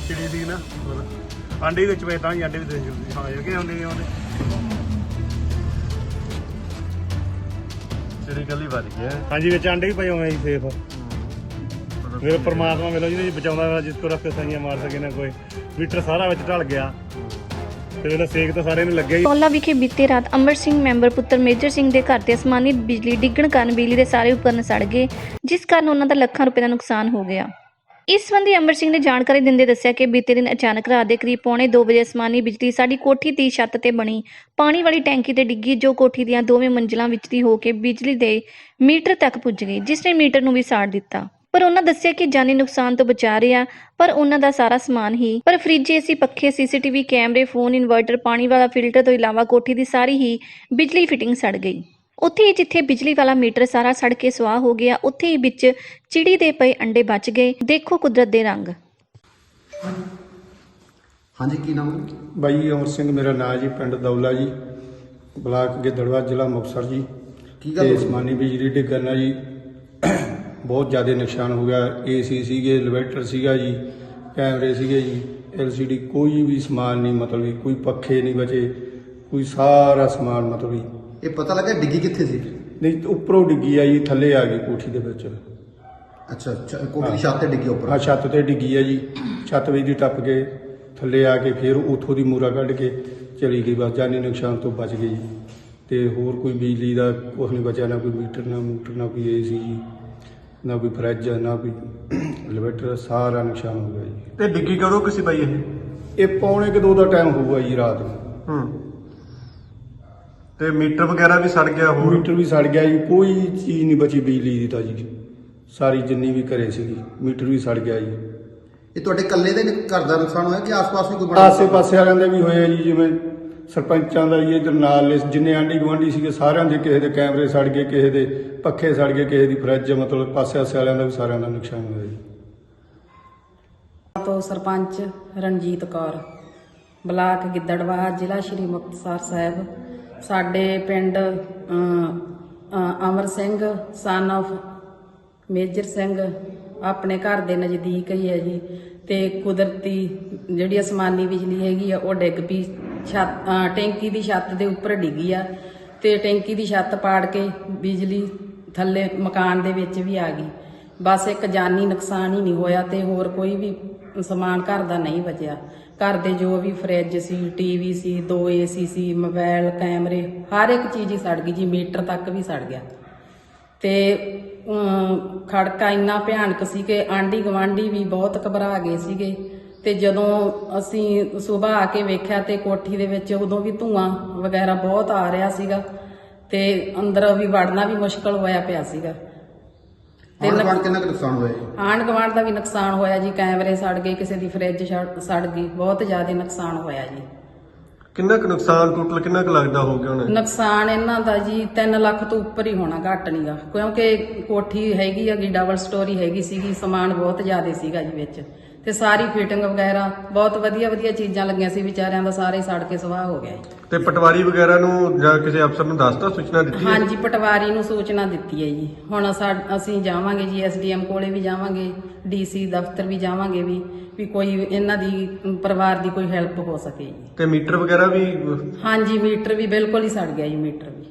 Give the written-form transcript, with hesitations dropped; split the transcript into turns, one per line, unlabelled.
ਚਿੜੀ ਸੀ ਨਾ ਆਂਡੇ ਵਿੱਚ ਪਏ ਤਾਂ ਹੀ ਆਂਡੇ ਵੀ ਦੇ ਜਾਂਦੇ ਹਾਂ ਇਹ ਕਿ ਆਉਂਦੇ ਨਹੀਂ ਆਉਂਦੇ
ਚਿੜੀ ਕੱਲੀ ਵੱਜ ਗਿਆ
ਹਾਂਜੀ ਵਿੱਚ ਆਂਡੇ ਵੀ ਪਏ ਹੋਏ ਜੀ ਸੇਫ ਮੇਰੇ ਪਰਮਾਤਮਾ ਮਿਲੋ ਜਿਹਨੇ ਬਚਾਉਂਦਾ ਵਾਲਾ ਜਿਸ ਕੋ ਰੱਖ ਸਾਈਆਂ ਮਾਰ ਸਕੇ ਨਾ ਕੋਈ ਮੀਟਰ ਸਾਰਾ ਵਿੱਚ ਢਲ ਗਿਆ ਤੇ ਇਹਦਾ ਸੇਕ ਤਾਂ ਸਾਰੇ ਨੂੰ ਲੱਗਿਆ ਹੀ।
ਟੋਲਾ ਵਿਖੇ ਬੀਤੇ ਰਾਤ ਅਮਰ ਸਿੰਘ ਮੈਂਬਰ ਪੁੱਤਰ ਮੇਜਰ ਸਿੰਘ ਦੇ ਘਰ ਤੇ ਅਸਮਾਨੀ ਬਿਜਲੀ ਡਿੱਗਣ ਕਾਰਨ ਬਿਜਲੀ ਦੇ ਸਾਰੇ ਉਪਕਰਨ ਸੜ ਗਏ, ਜਿਸ ਕਾਰਨ ਉਹਨਾਂ ਦਾ ਲੱਖਾਂ ਰੁਪਏ ਦਾ ਨੁਕਸਾਨ ਹੋ ਗਿਆ। ਇਸ ਸੰਬੰਧੀ ਅਮਰ ਸਿੰਘ ਨੇ ਜਾਣਕਾਰੀ ਦਿੰਦੇ ਦੱਸਿਆ ਕਿ ਬੀਤੇ ਦਿਨ ਅਚਾਨਕ ਰਾਤ ਦੇ ਕਰੀਬ 2:45 ਵਜੇ ਅਸਮਾਨੀ ਬਿਜਲੀ ਸਾਡੀ ਕੋਠੀ ਦੀ ਛੱਤ ਤੇ ਬਣੀ ਪਾਣੀ ਵਾਲੀ ਟੈਂਕੀ ਤੇ ਡਿੱਗੀ, ਜੋ ਕੋਠੀ ਦੀਆਂ ਦੋਵੇਂ ਮੰਜ਼ਿਲਾਂ ਵਿੱਚ ਦੀ ਹੋ ਕੇ ਬਿਜਲੀ ਦੇ ਮੀਟਰ ਤੱਕ ਪੁੱਜ ਗਈ, ਜਿਸ ਨੇ ਮੀਟਰ ਨੂੰ ਵੀ ਸਾੜ ਦਿੱਤਾ। ਪਰ ਉਹਨਾਂ ਦੱਸਿਆ ਕਿ ਜਾਨੀ ਨੁਕਸਾਨ ਤੋਂ ਬਚਾ ਰਿਹਾ, ਪਰ ਉਹਨਾਂ ਦਾ ਸਾਰਾ ਸਮਾਨ ਹੀ ਪਰ ਫ੍ਰਿਜ, ਏਸੀ, ਪੱਖੇ, ਸੀਸੀਟੀਵੀ ਕੈਮਰੇ, ਫੋਨ, ਇਨਵਰਟਰ, ਪਾਣੀ ਵਾਲਾ ਫਿਲਟਰ ਤੋਂ ਇਲਾਵਾ ਕੋਠੀ ਦੀ ਸਾਰੀ ਹੀ ਬਿਜਲੀ ਫਿਟਿੰਗ ਸੜ ਗਈ। ਉੱਥੇ ਹੀ ਜਿੱਥੇ ਬਿਜਲੀ ਵਾਲਾ ਮੀਟਰ ਸਾਰਾ ਸੜ ਕੇ ਸੁਆਹ ਹੋ ਗਿਆ, ਉੱਥੇ ਹੀ ਵਿੱਚ ਚਿੜੀ ਦੇ ਪਏ ਅੰਡੇ ਬਚ ਗਏ। ਦੇਖੋ ਕੁਦਰਤ ਦੇ ਰੰਗ।
ਹਾਂਜੀ ਕੀ ਨਾਮ ਹੈ?
ਬਾਈ ਅਮਰ ਸਿੰਘ ਮੇਰਾ ਨਾਂ ਜੀ, ਪਿੰਡ ਦੌਲਾ ਜੀ, ਬਲਾਕ ਗਿੱਦੜਵਾ, ਜ਼ਿਲ੍ਹਾ ਮੁਕਤਸਰ ਜੀ।
ਕੀ ਗੱਲ
ਤੇ
ਹੋਈ?
ਅਸਮਾਨੀ ਬਿਜਲੀ ਡਿੱਗਣ ਨਾਲ ਜੀ ਬਹੁਤ ਜ਼ਿਆਦਾ ਨੁਕਸਾਨ ਹੋ ਗਿਆ। ਏਸੀ ਸੀਗੇ, ਇਨਵਰਟਰ ਸੀਗਾ ਜੀ, ਕੈਮਰੇ ਸੀਗੇ ਜੀ, LCD, ਕੋਈ ਵੀ ਸਮਾਨ ਨਹੀਂ, ਮਤਲਬ ਕੋਈ ਪੱਖੇ ਨਹੀਂ ਬਚੇ, ਕੋਈ ਸਾਰਾ ਸਮਾਨ ਮਤਲਬ
ਇਹ ਪਤਾ ਲੱਗਾ ਡਿੱਗੀ ਕਿੱਥੇ ਸੀ?
ਨਹੀਂ ਉੱਪਰੋਂ ਡਿੱਗੀ ਆ ਜੀ, ਥੱਲੇ ਆ ਗਈ ਕੋਠੀ ਦੇ ਵਿੱਚ।
ਅੱਛਾ ਕੋਠੀ ਦੀ ਛੱਤ ਤੇ ਡਿੱਗੀ ਉੱਪਰ?
ਹਾਂ ਛੱਤ ਤੇ ਡਿੱਗੀ ਆ ਜੀ, ਛੱਤ ਵਿੱਚ ਦੀ ਟੱਪ ਕੇ ਥੱਲੇ ਆ ਕੇ ਫਿਰ ਉੱਥੋਂ ਦੀ ਮੂਰਾ ਕੱਢ ਕੇ ਚਲੀ ਗਈ। ਬਸ ਜਾਨੀ ਨੁਕਸਾਨ ਤੋਂ ਬਚ ਗਈ ਜੀ। ਤੇ ਹੋਰ ਕੋਈ ਬਿਜਲੀ ਦਾ ਕੁਛ ਨਹੀਂ ਬਚਿਆ, ਨਾ ਕੋਈ ਮੀਟਰ, ਨਾ ਮੋਟਰ, ਨਾ ਕੋਈ AC ਜੀ, ਨਾ ਕੋਈ ਫਰਿੱਜ, ਨਾ ਕੋਈ ਇਨਵਰਟਰ, ਸਾਰਾ ਨੁਕਸਾਨ ਹੋ ਗਿਆ ਜੀ।
ਤੇ ਡਿੱਗੀ ਕਦੋਂ ਕਿਸੇ ਬਾਈ
ਇਹ 1:45 ਦਾ ਟਾਈਮ ਹੋਊਗਾ ਜੀ ਰਾਤ ਨੂੰ।
ਤੇ ਮੀਟਰ ਵਗੈਰਾ ਵੀ ਸੜ ਗਿਆ ਹੋਰ?
ਮੀਟਰ ਵੀ ਸੜ ਗਿਆ ਜੀ, ਕੋਈ ਚੀਜ਼ ਨਹੀਂ ਬਚੀ ਬਿਜਲੀ ਦੀ ਤਾਂ ਜੀ, ਸਾਰੀ ਜਿੰਨੀ ਵੀ ਘਰੇ ਸੀਗੀ। ਮੀਟਰ ਵੀ ਸੜ ਗਿਆ ਜੀ।
ਇਹ ਤੁਹਾਡੇ ਇਕੱਲੇ ਦੇ ਘਰ ਦਾ ਨੁਕਸਾਨ ਹੋਇਆ ਕਿ ਆਸ-ਪਾਸ ਵੀ ਕੋਈ ਬੜਾ?
ਆਸੇ ਪਾਸੇ ਵਾਲਿਆਂ ਦੇ ਵੀ ਹੋਏ ਜੀ, ਜਿਵੇਂ ਸਰਪੰਚਾਂ ਦਾ ਜੀ, ਇਧਰ ਨਾਲ ਜਿੰਨੇ ਆਂਢੀ ਗੁਆਂਢੀ ਸੀਗੇ ਸਾਰਿਆਂ ਦੇ, ਕਿਸੇ ਦੇ ਕੈਮਰੇ ਸੜ ਗਏ, ਕਿਸੇ ਦੇ ਪੱਖੇ ਸੜ ਗਏ, ਕਿਸੇ ਦੀ ਫਰਿੱਜ, ਮਤਲਬ ਪਾਸੇ ਆਸੇ ਵਾਲਿਆਂ ਦਾ ਵੀ ਸਾਰਿਆਂ ਦਾ ਨੁਕਸਾਨ ਹੋਇਆ ਜੀ।
ਤੋਂ ਸਰਪੰਚ ਰਣਜੀਤ ਕੌਰ, ਬਲਾਕ ਗਿੱਦੜਵਾ, ਜ਼ਿਲ੍ਹਾ ਸ਼੍ਰੀ ਮੁਕਤਸਰ ਸਾਹਿਬ। ਸਾਡੇ ਪਿੰਡ ਅਮਰ ਸਿੰਘ ਸਨ ਆਫ ਮੇਜਰ ਸਿੰਘ ਆਪਣੇ ਘਰ ਦੇ ਨਜ਼ਦੀਕ ਹੀ ਹੈ ਜੀ। ਤੇ ਕੁਦਰਤੀ ਜਿਹੜੀ ਅਸਮਾਨੀ ਬਿਜਲੀ ਹੈਗੀ ਆ ਉਹ ਡਿੱਗ ਪਈ, ਟੈਂਕੀ ਦੀ ਛੱਤ ਦੇ ਉੱਪਰ ਡਿੱਗੀ ਆ ਤੇ ਟੈਂਕੀ ਦੀ ਛੱਤ ਪਾੜ ਕੇ ਬਿਜਲੀ ਥੱਲੇ ਮਕਾਨ ਦੇ ਵਿੱਚ ਵੀ ਆ ਗਈ। ਬਸ ਇੱਕ ਜਾਨੀ ਨੁਕਸਾਨ ਹੀ ਨਹੀਂ ਹੋਇਆ ਤੇ ਹੋਰ ਕੋਈ ਵੀ ਸਮਾਨ ਘਰ ਦਾ ਨਹੀਂ ਬਚਿਆ। ਘਰ ਦੇ ਜੋ ਵੀ ਫਰਿੱਜ ਸੀ, TV ਸੀ, 2 AC ਸੀ, ਮੋਬਾਈਲ, ਕੈਮਰੇ, ਹਰ ਇੱਕ ਚੀਜ਼ ਹੀ ਸੜ ਗਈ ਜੀ, ਮੀਟਰ ਤੱਕ ਵੀ ਸੜ ਗਿਆ। ਤੇ ਖੜਕਾ ਇੰਨਾ ਭਿਆਨਕ ਸੀ ਕਿ ਆਂਢੀ ਗੁਆਂਢੀ ਵੀ ਬਹੁਤ ਘਬਰਾ ਗਏ ਸੀਗੇ। ਤੇ ਜਦੋਂ ਅਸੀਂ ਸਵੇਰ ਆ ਕੇ ਵੇਖਿਆ ਤੇ ਕੋਠੀ ਦੇ ਵਿੱਚ ਉਦੋਂ ਵੀ ਧੂਆਂ ਵਗੈਰਾ ਬਹੁਤ ਆ ਰਿਹਾ ਸੀਗਾ ਤੇ ਅੰਦਰ ਵੀ ਵੜਨਾ ਵੀ ਮੁਸ਼ਕਲ ਹੋਇਆ ਪਿਆ ਸੀਗਾ।
ਤੇ ਕਿੰਨਾ ਕੁ ਨੁਕਸਾਨ ਹੋਇਆ ਜੀ?
ਆਂਢ ਗੁਆਂਢ ਦਾ ਵੀ ਨੁਕਸਾਨ ਹੋਇਆ ਜੀ, ਕੈਮਰੇ ਸੜ ਗਏ, ਕਿਸੇ ਦੀ ਫਰਿੱਜ ਸੜ ਗਈ, ਬਹੁਤ ਜ਼ਿਆਦਾ ਨੁਕਸਾਨ ਹੋਇਆ ਜੀ।
ਕਿੰਨਾ ਕੁ ਨੁਕਸਾਨ ਟੋਟਲ ਕਿੰਨਾ ਕੁ ਲੱਗਦਾ ਹੋ ਗਿਆ ਹੁਣ?
ਨੁਕਸਾਨ ਇਹਨਾਂ ਦਾ ਜੀ 3 ਲੱਖ ਤੋਂ ਉੱਪਰ ਹੀ ਹੋਣਾ, ਘੱਟ ਨਹੀਂਗਾ, ਕਿਉਂਕਿ ਕੋਠੀ ਹੈਗੀ ਹੈਗੀ ਡਬਲ ਸਟੋਰੀ ਹੈਗੀ ਸੀਗੀ, ਸਮਾਨ ਬਹੁਤ ਜ਼ਿਆਦਾ ਸੀਗਾ ਜੀ ਵਿੱਚ। ਤੇ ਸਾਰੀ ਫਿਟਿੰਗ ਵਗੈਰਾ ਬਹੁਤ ਵਧੀਆ ਚੀਜ਼ਾਂ ਲੱਗੀਆਂ ਸੀ, ਵਿਚਾਰਿਆਂ ਦਾ ਸਾਰੇ ਸੜ ਕੇ ਸਵਾਹ ਹੋ ਗਿਆ ਜੀ।
ਤੇ ਪਟਵਾਰੀ ਵਗੈਰਾ ਨੂੰ ਜਾਂ ਕਿਸੇ ਅਫਸਰ ਨੂੰ ਦੱਸਤਾ, ਸੂਚਨਾ ਦਿੱਤੀ ਹੈ?
ਹਾਂਜੀ ਪਟਵਾਰੀ ਨੂੰ ਸੂਚਨਾ ਦਿੱਤੀ ਹੈ ਜੀ। ਹੁਣ ਅਸੀਂ ਜਾਵਾਂਗੇ ਜੀ, SDM ਕੋਲੇ ਵੀ ਜਾਵਾਂਗੇ, DC ਦਫ਼ਤਰ ਵੀ ਜਾਵਾਂਗੇ ਵੀ ਕੋਈ ਇਹਨਾਂ ਦੀ ਪਰਿਵਾਰ ਦੀ ਕੋਈ ਹੈਲਪ ਹੋ ਸਕੇ ਜੀ।
ਤੇ ਮੀਟਰ ਵਗੈਰਾ ਵੀ?
ਹਾਂਜੀ ਮੀਟਰ ਵੀ ਬਿਲਕੁਲ ਹੀ ਸੜ ਗਿਆ ਜੀ, ਮੀਟਰ ਵੀ।